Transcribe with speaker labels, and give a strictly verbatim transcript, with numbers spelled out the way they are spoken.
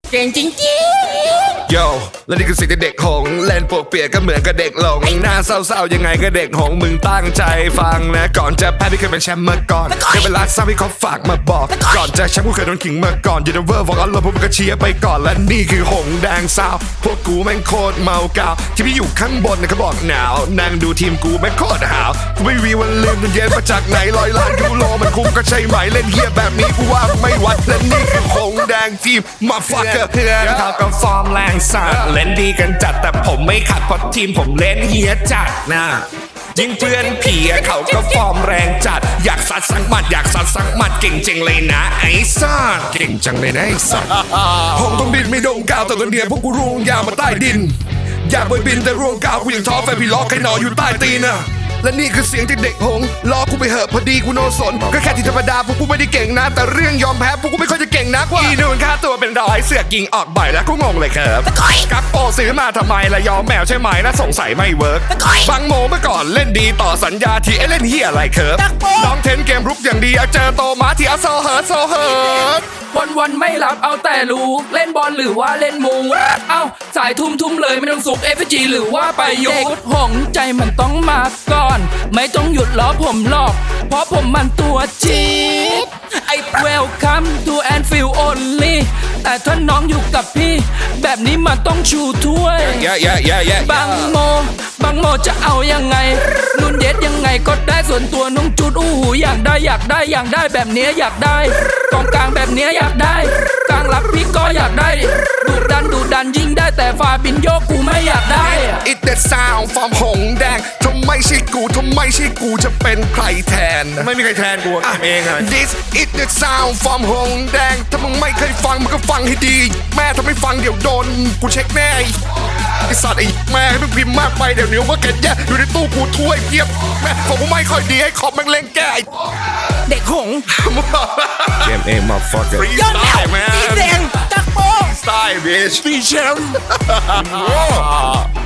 Speaker 1: เก่งจริงๆ
Speaker 2: โย่และนี่คือสิ่งที่เด็กหงเล่นปวกเปียกก็เหมือนกับเด็กหลงหน้าเศร้าๆยังไงก็เด็กหงมึงตั้งใจฟังนะก่อนจะแพ้พี่เคยเป็นแชมป์มาก่อนเคยเป็นลาซ่าพี่เขาฝากมาบอกก่อนจะแชมป์กูเคยโดนขิงมาก่อนยูนิเวอร์บอกเอาเลยพวกมึงก็เชียร์ไปก่อนและนี่คือหงแดงซาวพวกกูแม่งโคตรเมากาวที่พี่อยู่ข้างบนนะเขาบอกหนาวนั่งดูทีมกูแม่งโคตรหาวกูไม่มีวันลืมเย็นมาจากไหนร้อยล้านยูโรมันคุ้มก็ใช่ไหมเล่นเฮียแบบนี้กูว่าไม่วัดและนี่คือหงแดงทีมมาฟักเกอร์เพื่อนเขาก็ฟอร์มแรงสัตว์เล่นดีกันจัดแต่ผมไม่ขัดเพราะทีมผมเล่นเฮียจัดนะยิงเพื่อนผีเขาก็ฟอร์มแรงจัดอยากสัดสักหมัดอยากสัดสักหมัดเก่งจริงเลยนะไอ้สัสเก่งจังเลยนะไอ้สัสหงต้องบินไม่โด่งกาวแต่ตัวเดียวพวกกูร่วงยาวมาใต้ดินอยากไปบินแต่ร่วงกาวกูยังท้อแฟนพี่ล้อใครนอนอยู่ใต้ตีนอะและนี่คือเสียงที่เด็กหงล้อกูไปเหอะพอดีกูโนสนก็แค่ที่ธรรมดาพวกกูไม่ได้เก่งนะแต่เรื่องยอมแพ้พวกกูไม่ค่อยจะเก่งนักว่าอีนูนค่าตัวเป็นร้อยเสือกยิงออกบ่อยแล้วกูงงเลยครับกับโปซื้อมาทำไมละยอมแมวใช่ไหมนะสงสัยไม่เวิร์กบังโมเมื่อก่อนเล่นดีต่อสัญญาที่เล่นเฮียอะไรครับน้องเทนเกมรุกอย่างดีเจอโตมาที่เอาโซเฮิร์ตโซเฮิร์ต
Speaker 3: วันวันๆไม่หลับเอาแต่ลูกเล่นบอลหรือว่าเล่นมูเอ้าสายทุ่มทุ่มเลยไม่ต้องสุกเอฟจีหรือว่าไปโยกหงใจมันต้องมาก่อนไม่ต้องหยุดล้อผมหรอกเพราะผมมันตัวชีดไอ้ Welcome to Anfield only แต่ถ้าน้องอยู่กับพี่แบบนี้มันต้องชูถ้วย
Speaker 2: yeah yeah yeah yeah
Speaker 3: บางโมบางโมจะเอายังไงนุ่นเย็ดยังไงก็ได้ส่วนตัวน้องจุดอู้หูอยากได้อยากได้อยากได้แบบเนี้ยอยากได้กองกลางแบบเนี้ยอยากได้กลางรับพี่ก็อยากได้ดูดันดูดันยิงได้แต่ฟาบินโยกูไม่อยากได้
Speaker 2: It that sound from หงแดงทำไมใช่กูทำไมใช่กูจะเป็นใครแทนไม่มีใครแทนกูเองอะ This it that sound from หงแดงถ้ามึงไม่เคยฟังมึงก็ฟังให้ดีแม่ถ้าไม่ฟังเดี๋ยวโดนกูเช็คแน่ไอสัตว์ไอแม่ให้มึงพิมพ์มากไปเดี๋ยวนิ้วว่าเก็ตแย่อยู่ในตู้กูถ้วยเพียบแม่ผมไม่ค่อยดีให้ขอบแม่งเล่งแก้
Speaker 3: เด็กหง
Speaker 2: เกมเองมาฟักเกอร์
Speaker 1: ยอดแมวสีแดงตักโป
Speaker 2: สไตล์บิชฟีแชมป์